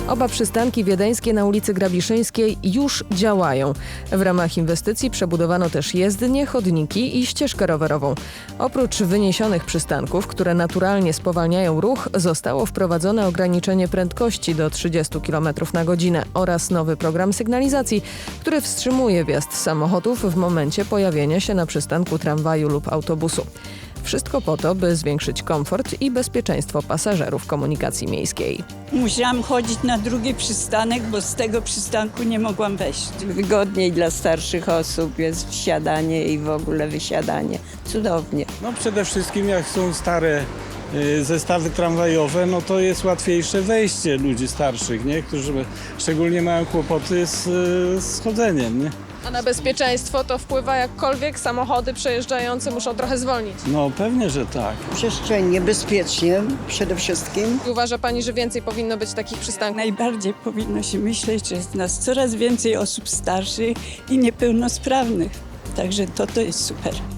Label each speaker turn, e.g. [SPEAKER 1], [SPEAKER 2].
[SPEAKER 1] Oba przystanki wiedeńskie na ulicy Grabiszyńskiej już działają. W ramach inwestycji przebudowano też jezdnie, chodniki i ścieżkę rowerową. Oprócz wyniesionych przystanków, które naturalnie spowalniają ruch, zostało wprowadzone ograniczenie prędkości do 30 km na godzinę oraz nowy program sygnalizacji, który wstrzymuje wjazd samochodów w momencie pojawienia się na przystanku tramwaju lub autobusu. Wszystko po to, by zwiększyć komfort i bezpieczeństwo pasażerów komunikacji miejskiej.
[SPEAKER 2] Musiałam chodzić na drugi przystanek, bo z tego przystanku nie mogłam wejść.
[SPEAKER 3] Wygodniej dla starszych osób jest wsiadanie i w ogóle wysiadanie. Cudownie.
[SPEAKER 4] No przede wszystkim jak są stare zestawy tramwajowe, no to jest łatwiejsze wejście ludzi starszych, nie? Którzy szczególnie mają kłopoty z chodzeniem. Nie?
[SPEAKER 5] A na bezpieczeństwo to wpływa jakkolwiek? Samochody przejeżdżające muszą trochę zwolnić.
[SPEAKER 4] No pewnie, że tak.
[SPEAKER 6] Przestrzennie, bezpiecznie przede wszystkim.
[SPEAKER 5] I uważa Pani, że więcej powinno być takich przystanków?
[SPEAKER 2] Najbardziej powinno się myśleć, że jest nas coraz więcej osób starszych i niepełnosprawnych. Także to jest super.